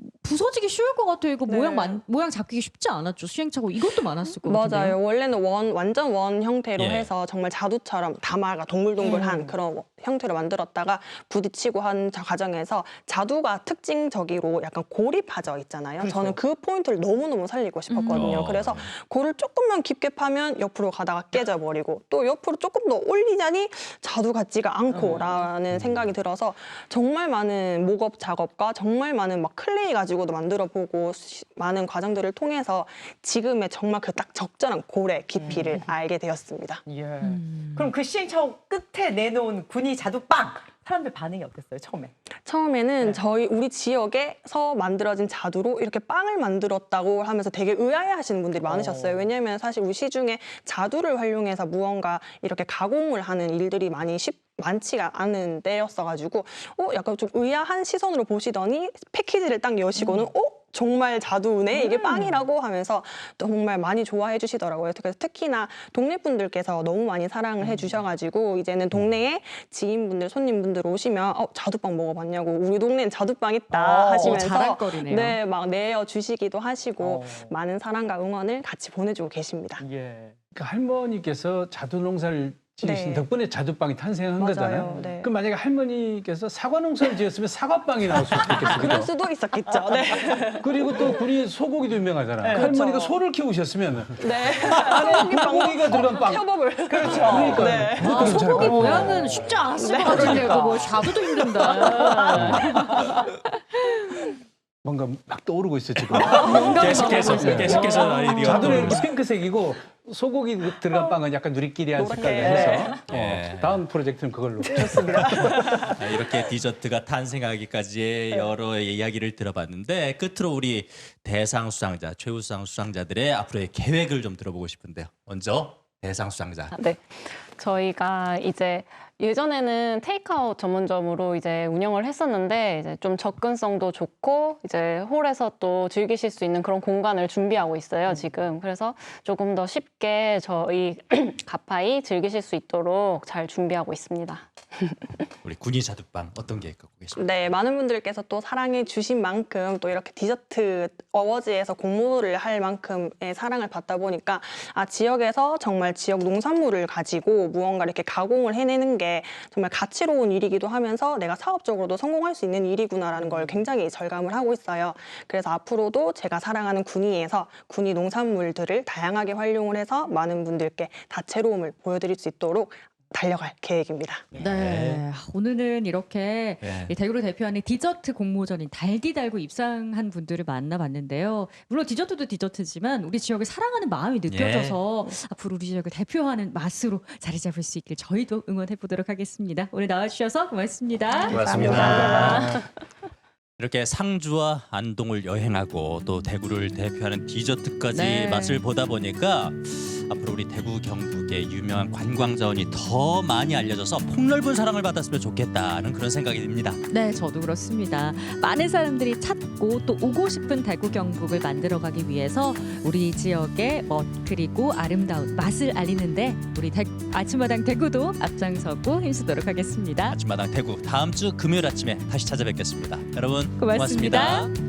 [SPEAKER 2] 부서지기 쉬울 것 같아요. 이거
[SPEAKER 5] 네.
[SPEAKER 2] 모양 만, 모양 잡기 쉽지 않았죠. 시행착오 이것도 많았을 것 같은데요.
[SPEAKER 5] 맞아요. 원래는 원 완전 원 형태로
[SPEAKER 1] 예.
[SPEAKER 5] 해서 정말 자두처럼 다마가 동글동글한
[SPEAKER 6] 음.
[SPEAKER 5] 그런 형태로 만들었다가 부딪히고 한 자- 과정에서 자두가 특징적으로 약간 골이 파져 있잖아요.
[SPEAKER 6] 그렇죠.
[SPEAKER 5] 저는 그 포인트를 너무너무 살리고 싶었거든요.
[SPEAKER 1] 음.
[SPEAKER 5] 그래서 골을 조금만 깊게 파면 옆으로 가다가 깨져버리고 또 옆으로 조금 더 올리자니 자두 같지가 않고라는 생각이 들어서 정말 많은 목업 작업과 정말 많은 막 클레이 가지고도 만들어보고 시- 많은 과정들을 통해서 지금의 정말 그 딱 적절한 골의 깊이를 알게 되었습니다.
[SPEAKER 6] 예.
[SPEAKER 2] 음.
[SPEAKER 6] 그럼 그 시행착오 끝에 내놓은 군이 자두빵 사람들 반응이 어땠어요 처음에?
[SPEAKER 5] 처음에는
[SPEAKER 6] 네.
[SPEAKER 5] 저희 우리 지역에서 만들어진 자두로 이렇게 빵을 만들었다고 하면서 되게 의아해하시는 분들이 많으셨어요.
[SPEAKER 6] 어.
[SPEAKER 5] 왜냐하면 사실 우리 시중에 자두를 활용해서 무언가 이렇게 가공을 하는 일들이 많이 쉽 많지가 않은 때였어가지고 어 약간 좀 의아한 시선으로 보시더니 패키지를 딱 여시고는
[SPEAKER 6] 음.
[SPEAKER 5] 어 정말 자두네 이게 빵이라고 하면서 정말 많이 좋아해 주시더라고요. 그래서 특히나 동네 분들께서 너무 많이 사랑을
[SPEAKER 6] 음.
[SPEAKER 5] 해주셔가지고 이제는 동네에 지인분들 손님분들 오시면 어 자두빵 먹어봤냐고 우리 동네엔 자두빵 있다
[SPEAKER 6] 어,
[SPEAKER 5] 하시면서
[SPEAKER 2] 자랑거리네요.
[SPEAKER 5] 네 막 내어 주시기도 하시고
[SPEAKER 6] 어.
[SPEAKER 5] 많은 사랑과 응원을 같이 보내주고 계십니다.
[SPEAKER 6] 예.
[SPEAKER 7] 그 할머니께서 자두 농사를 지으신
[SPEAKER 5] 네.
[SPEAKER 7] 덕분에 자두빵이 탄생한
[SPEAKER 5] 맞아요.
[SPEAKER 7] 거잖아요.
[SPEAKER 5] 네.
[SPEAKER 7] 그럼 만약에 할머니께서 사과 농사를 지었으면 사과빵이 나올 수 있겠어요.
[SPEAKER 5] 그럴
[SPEAKER 7] 그죠?
[SPEAKER 5] 수도 있었겠죠. 네.
[SPEAKER 7] 그리고 또 군이 소고기도 유명하잖아요.
[SPEAKER 6] 네,
[SPEAKER 7] 할머니가
[SPEAKER 5] 그렇죠.
[SPEAKER 7] 소를 키우셨으면
[SPEAKER 5] 네.
[SPEAKER 7] 소고기가 들어간 빵.
[SPEAKER 5] 협업을
[SPEAKER 6] 그렇죠.
[SPEAKER 7] 그러니까
[SPEAKER 5] 네.
[SPEAKER 2] 아, 소고기
[SPEAKER 7] 어.
[SPEAKER 2] 모양은 쉽지 않았을
[SPEAKER 6] 네,
[SPEAKER 2] 것 같은데
[SPEAKER 6] 그러니까.
[SPEAKER 2] 그거 뭐 자두도 힘든다.
[SPEAKER 7] 뭔가 막 떠오르고 있어 지금.
[SPEAKER 1] 계속해서 계속해서 아이디어.
[SPEAKER 7] 자두는 이렇게 핑크색이고 소고기 들어간 빵은 약간 누리끼리한 색깔로 해서
[SPEAKER 1] 네.
[SPEAKER 7] 어, 다음 프로젝트는 그걸로.
[SPEAKER 1] 아, 이렇게 디저트가 탄생하기까지의 여러 이야기를 들어봤는데 끝으로 우리 대상 수상자, 최우수상 수상자들의 앞으로의 계획을 좀 들어보고 싶은데요. 먼저 대상 수상자.
[SPEAKER 3] 네. 저희가 이제 예전에는 테이크아웃 전문점으로 이제 운영을 했었는데 이제 좀 접근성도 좋고 이제 홀에서 또 즐기실 수 있는 그런 공간을 준비하고 있어요, 지금. 그래서 조금 더 쉽게 저희 가파이 즐기실 수 있도록 잘 준비하고 있습니다.
[SPEAKER 1] 우리 군이 자두빵 어떤 계획 갖고 계십니까?
[SPEAKER 5] 네, 많은 분들께서 또 사랑해 주신 만큼 또 이렇게 디저트 어워즈에서 공모를 할 만큼의 사랑을 받다 보니까 아 지역에서 정말 지역 농산물을 가지고 무언가 이렇게 가공을 해내는 게 정말 가치로운 일이기도 하면서 내가 사업적으로도 성공할 수 있는 일이구나라는 걸 굉장히 절감을 하고 있어요. 그래서 앞으로도 제가 사랑하는 군위에서 군위 농산물들을 다양하게 활용을 해서 많은 분들께 다채로움을 보여드릴 수 있도록 달려갈 계획입니다.
[SPEAKER 2] 네. 오늘은 이렇게
[SPEAKER 1] 네.
[SPEAKER 2] 이 대구를 대표하는 디저트 공모전인 달디 달고 입상한 분들을 만나봤는데요. 물론 디저트도 디저트지만 우리 지역을 사랑하는 마음이 느껴져서 앞으로 우리 지역을 대표하는 맛으로 자리 잡을 수 있길 저희도 응원해 보도록 하겠습니다. 오늘 나와주셔서 고맙습니다.
[SPEAKER 1] 고맙습니다. 이렇게 상주와 안동을 여행하고 또 대구를 대표하는 디저트까지
[SPEAKER 2] 네.
[SPEAKER 1] 맛을 보다 보니까 앞으로 우리 대구 경북의 유명한 관광 자원이 더 많이 알려져서 폭넓은 사랑을 받았으면 좋겠다는 그런 생각이 듭니다.
[SPEAKER 2] 네, 저도 그렇습니다. 많은 사람들이 찾고 또 오고 싶은 대구 경북을 만들어가기 위해서 우리 지역의 멋 그리고 아름다운 맛을 알리는데 우리 대, 아침마당 대구도 앞장서고 힘쓰도록 하겠습니다.
[SPEAKER 1] 아침마당 대구 다음 주 금요일 아침에 다시 찾아뵙겠습니다. 여러분
[SPEAKER 2] 고맙습니다.
[SPEAKER 1] 고맙습니다.